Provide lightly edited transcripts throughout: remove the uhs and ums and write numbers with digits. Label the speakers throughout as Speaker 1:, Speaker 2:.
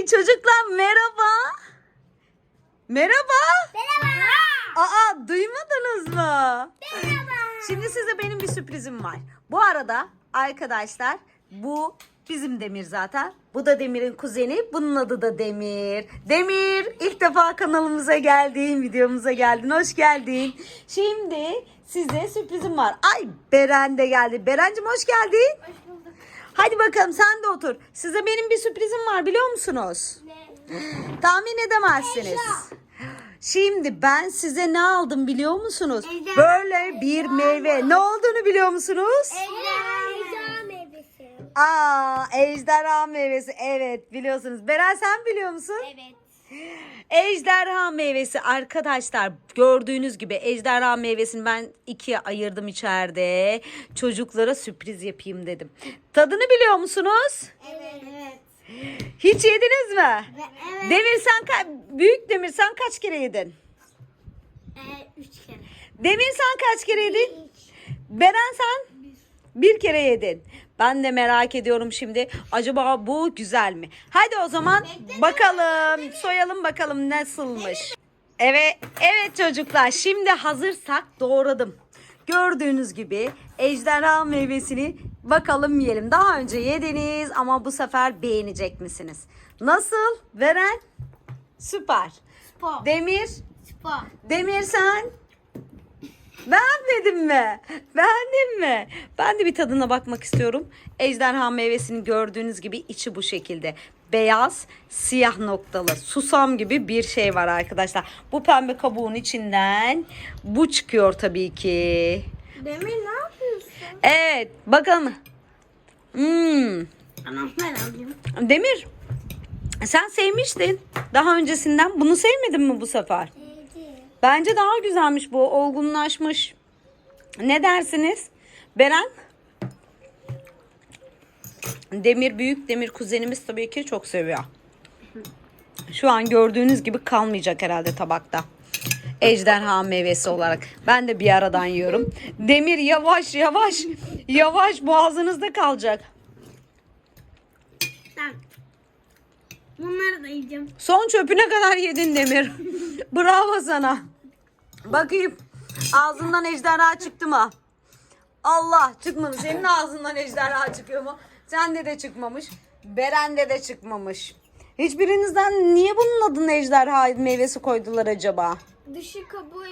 Speaker 1: Çocuklar merhaba. Merhaba.
Speaker 2: Merhaba.
Speaker 1: Aa, duymadınız mı?
Speaker 2: Merhaba.
Speaker 1: Şimdi size benim bir sürprizim var. Bu arada arkadaşlar bu bizim Demir zaten. Bu da Demir'in kuzeni. Bunun adı da Demir. Demir, ilk defa kanalımıza geldin, videomuza geldin. Hoş geldin. Şimdi size sürprizim var. Ay, Beren de geldi. Berencim hoş geldin.
Speaker 2: Hoş bulduk.
Speaker 1: Hadi bakalım sen de otur. Size benim bir sürprizim var, biliyor musunuz?
Speaker 2: Ne?
Speaker 1: Tahmin edemezsiniz. Şimdi ben size ne aldım biliyor musunuz?
Speaker 2: Ejderha.
Speaker 1: Böyle bir meyve. Ne olduğunu biliyor musunuz?
Speaker 2: Ejderha meyvesi.
Speaker 1: Aa, ejderha meyvesi. Evet, biliyorsunuz. Beren, sen biliyor musun?
Speaker 2: Evet.
Speaker 1: Ejderha meyvesi arkadaşlar, gördüğünüz gibi ejderha meyvesini ben ikiye ayırdım içeride. Çocuklara sürpriz yapayım dedim. Tadını biliyor musunuz?
Speaker 2: Evet. Evet.
Speaker 1: Hiç yediniz mi?
Speaker 2: Evet.
Speaker 1: Demir sen büyük Demir sen kaç kere yedin?
Speaker 2: 3 kere.
Speaker 1: Demir sen kaç kere yedin? Beren sen? Bir kere yedin. Ben de merak ediyorum şimdi. Acaba bu güzel mi? Hadi o zaman bakalım. Soyalım bakalım nasılmış. Evet, evet çocuklar. Şimdi hazırsak doğradım. Gördüğünüz gibi ejderha meyvesini bakalım yiyelim. Daha önce yediniz ama bu sefer beğenecek misiniz? Nasıl? Beren? Süper.
Speaker 2: Spor.
Speaker 1: Demir?
Speaker 2: Spor.
Speaker 1: Demir sen? Beğenmedin mi? Beğendin mi? Ben de bir tadına bakmak istiyorum. Ejderha meyvesini gördüğünüz gibi içi bu şekilde. Beyaz, siyah noktalı, susam gibi bir şey var arkadaşlar. Bu pembe kabuğun içinden bu çıkıyor tabii ki.
Speaker 2: Demir ne yapıyorsun?
Speaker 1: Evet, bakalım.
Speaker 2: Anam ben alayım.
Speaker 1: Demir, sen sevmiştin daha öncesinden. Bunu sevmedin mi bu sefer? Bence daha güzelmiş bu. Olgunlaşmış. Ne dersiniz? Beren? Demir büyük. Demir kuzenimiz tabii ki çok seviyor. Şu an gördüğünüz gibi kalmayacak herhalde tabakta. Ejderha meyvesi olarak. Ben de bir aradan yiyorum. Demir yavaş yavaş. Yavaş, boğazınızda kalacak.
Speaker 2: Ben bunları da yiyeceğim.
Speaker 1: Son çöpüne kadar yedin Demir. Bravo sana. Bakayım. Ağzından ejderha çıktı mı? Allah, çıkmamış. Senin ağzından ejderha çıkıyor mu? Sende de çıkmamış. Beren'de de çıkmamış. Hiçbirinizden niye bunun adını ejderha meyvesi koydular acaba?
Speaker 2: Dışı kabuğu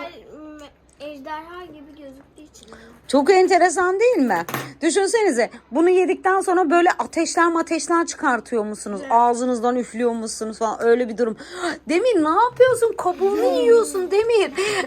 Speaker 2: ejderha gibi gözüktüğü için.
Speaker 1: Çok enteresan değil mi? Düşünsenize, bunu yedikten sonra böyle ateşler çıkartıyor musunuz? Ağzınızdan üflüyor musunuz falan, öyle bir durum. Demir ne yapıyorsun? Kabuğunu yiyorsun Demir.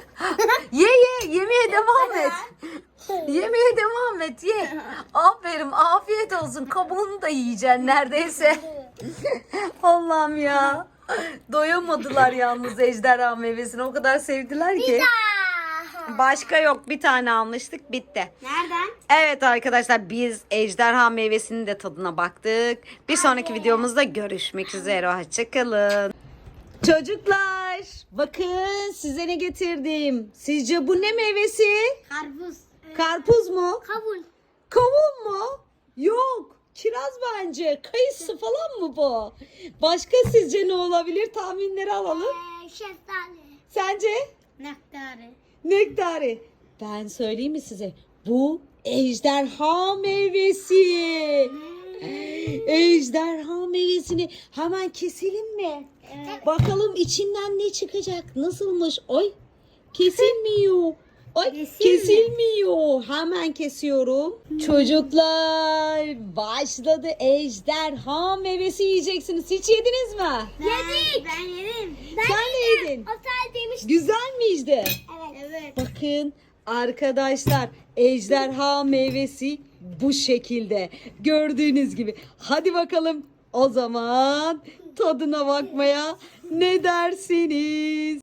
Speaker 1: Yemeye devam et. Yemeye devam et, ye. Aferin, afiyet olsun. Kabuğunu da yiyeceksin neredeyse. Allah'ım ya. Doyamadılar yalnız ejderha meyvesini. O kadar sevdiler ki. Başka yok. Bir tane almıştık. Bitti.
Speaker 2: Nereden?
Speaker 1: Evet arkadaşlar, biz ejderha meyvesinin de tadına baktık. Bir sonraki videomuzda görüşmek üzere. Hoşçakalın. Çocuklar, bakın size ne getirdim. Sizce bu ne meyvesi?
Speaker 2: Karpuz.
Speaker 1: Karpuz mu?
Speaker 2: Kavun.
Speaker 1: Kavun mu? Yok. Kiraz bence. Kayısı falan mı bu? Başka sizce ne olabilir? Tahminleri alalım.
Speaker 2: Şeftali.
Speaker 1: Sence?
Speaker 2: Nektarı.
Speaker 1: Nektarı. Ben söyleyeyim mi size? Bu ejderha meyvesi. Ejderha meyvesini hemen keselim mi?
Speaker 2: Evet.
Speaker 1: Bakalım içinden ne çıkacak? Nasılmış? Oy, kesilmiyor. Ay,
Speaker 2: Kesilmiyor.
Speaker 1: kesilmiyor. Hemen kesiyorum. Çocuklar, başladı. Ejderha meyvesi yiyeceksiniz. Hiç yediniz mi?
Speaker 2: Yedik. Ben yedim.
Speaker 1: Sen de yedin.
Speaker 2: O sadece demiştim.
Speaker 1: Güzel miydi?
Speaker 2: Evet.
Speaker 1: Bakın arkadaşlar, ejderha meyvesi bu şekilde. Gördüğünüz gibi. Hadi bakalım o zaman tadına bakmaya ne dersiniz?